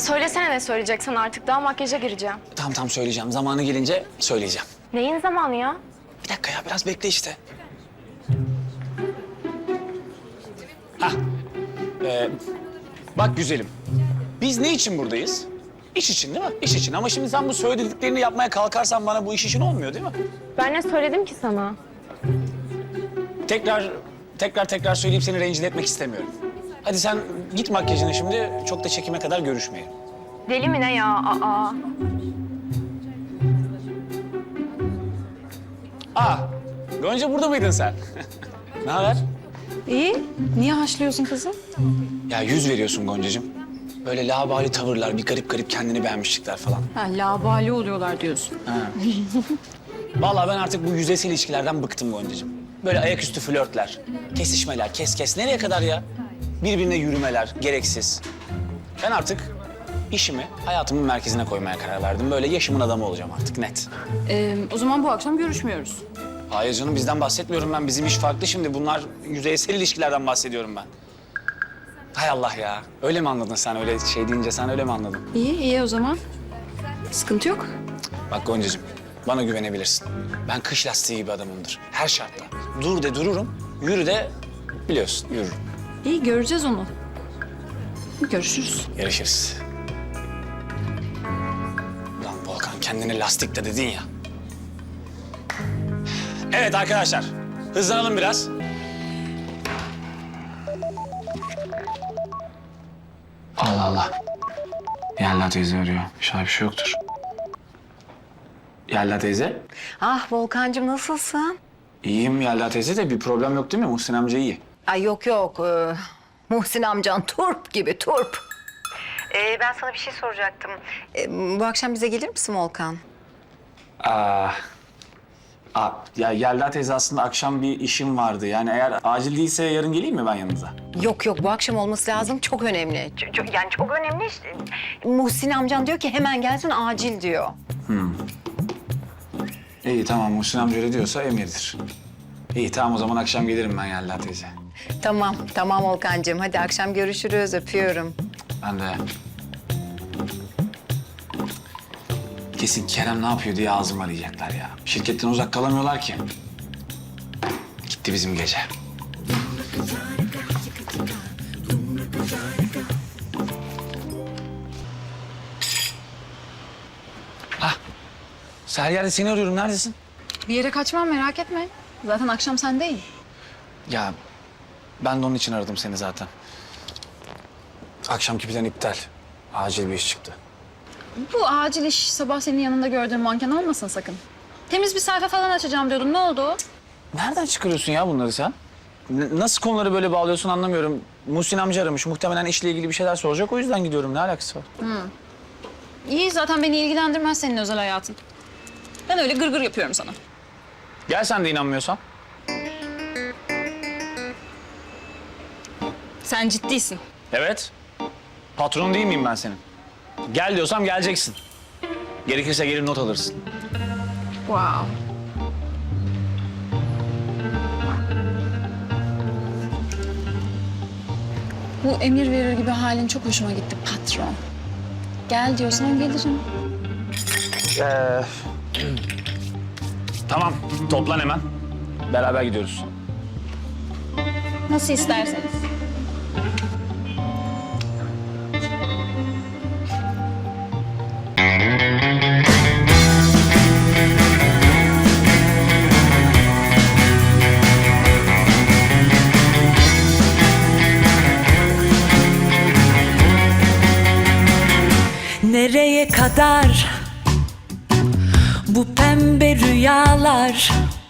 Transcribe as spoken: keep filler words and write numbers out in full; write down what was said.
Söylesene ne söyleyeceksen artık. Daha makyaja gireceğim. Tamam tamam söyleyeceğim. Zamanı gelince söyleyeceğim. Neyin zamanı ya? Bir dakika ya biraz bekle işte. Hah. Ee, bak güzelim. Biz ne için buradayız? İş için değil mi? İş için. Ama şimdi sen bu söylediklerini yapmaya kalkarsan bana bu iş için olmuyor değil mi? Ben ne söyledim ki sana? Tekrar, tekrar tekrar söyleyip seni rencide etmek istemiyorum. Hadi sen git makyajına şimdi. Çok da çekime kadar görüşmeyelim. Deli mi ne ya? Aa. Aa, Gonca burada mıydın sen? Ne haber? İyi. Niye haşlıyorsun kızım? Ya yüz veriyorsun Goncacığım. Böyle labali tavırlar, bir garip garip kendini beğenmişlikler falan. Ha, labali oluyorlar diyorsun. Ha. Vallahi ben artık bu yüzeysel ilişkilerden bıktım Goncacığım. Böyle ayaküstü flörtler, kesişmeler, kes kes. Nereye kadar ya? Birbirine yürümeler, gereksiz. Ben artık işimi hayatımın merkezine koymaya karar verdim. Böyle yaşımın adamı olacağım artık net. Ee, o zaman bu akşam görüşmüyoruz. Hayır canım bizden bahsetmiyorum ben. Bizim iş farklı şimdi. Bunlar yüzeysel ilişkilerden bahsediyorum ben. Hay Allah ya. Öyle mi anladın sen? Öyle şey deyince sen öyle mi anladın? İyi, iyi o zaman. Sıkıntı yok. Bak Goncacığım, bana güvenebilirsin. Ben kış lastiği gibi adamımdır. Her şartta. Dur de dururum, yürü de biliyorsun yürürüm. İyi, göreceğiz onu. Görüşürüz. Yarışırız. Ulan Volkan kendine lastik de dedin ya. Evet arkadaşlar, hızlanalım biraz. Allah Allah. Yelda teyze arıyor. İnşallah bir şey yoktur. Yelda teyze. Ah Volkancığım nasılsın? İyiyim Yelda teyze de bir problem yok değil mi? Muhsin amca iyi. Ay yok yok. Ee, Muhsin amcan turp gibi turp. Ee, ben sana bir şey soracaktım. Ee, bu akşam bize gelir misin Volkan? Aa, aa, ya Yelda teyze aslında akşam bir işim vardı. Yani eğer acil değilse yarın geleyim mi ben yanınıza? Yok yok bu akşam olması lazım. Çok önemli. Ç- çok- yani çok önemli işte. Muhsin amcan diyor ki hemen gelsin acil diyor. İyi tamam Muhsin amca öyle diyorsa emridir. İyi tamam o zaman akşam gelirim ben Yelda teyze. Tamam tamam Volkancığım. Hadi akşam görüşürüz. Öpüyorum. Ben de... Kesin Kerem ne yapıyor diye ağzımı arayacaklar ya. Şirketten uzak kalamıyorlar ki. Gitti bizim gece. Hah. Seher seni arıyorum. Neredesin? Bir yere kaçmam, merak etme. Zaten akşam sendeyim. Ya ben de onun için aradım seni zaten. Akşamki plan iptal. Acil bir iş çıktı. Bu acil iş sabah senin yanında gördüğüm manken olmasın sakın. Temiz bir sayfa falan açacağım diyordun. Ne oldu? Nereden çıkarıyorsun ya bunları sen? N- nasıl konuları böyle bağlıyorsun anlamıyorum. Muhsin amca aramış. Muhtemelen işle ilgili bir şeyler soracak. O yüzden gidiyorum. Ne alakası var? İyi, zaten beni ilgilendirmez senin özel hayatın. Ben öyle gırgır yapıyorum sana. Gel sen de inanmıyorsan. Sen ciddisin. Evet. Patron değil miyim ben senin? Gel diyorsam geleceksin. Gerekirse gelir not alırsın. Wow. Bu emir verir gibi halin çok hoşuma gitti patron. Gel diyorsan gelirim. Ee, tamam. Toplan hemen. Beraber gidiyoruz. Nasıl isterseniz. Nereye kadar bu pembe rüyalar?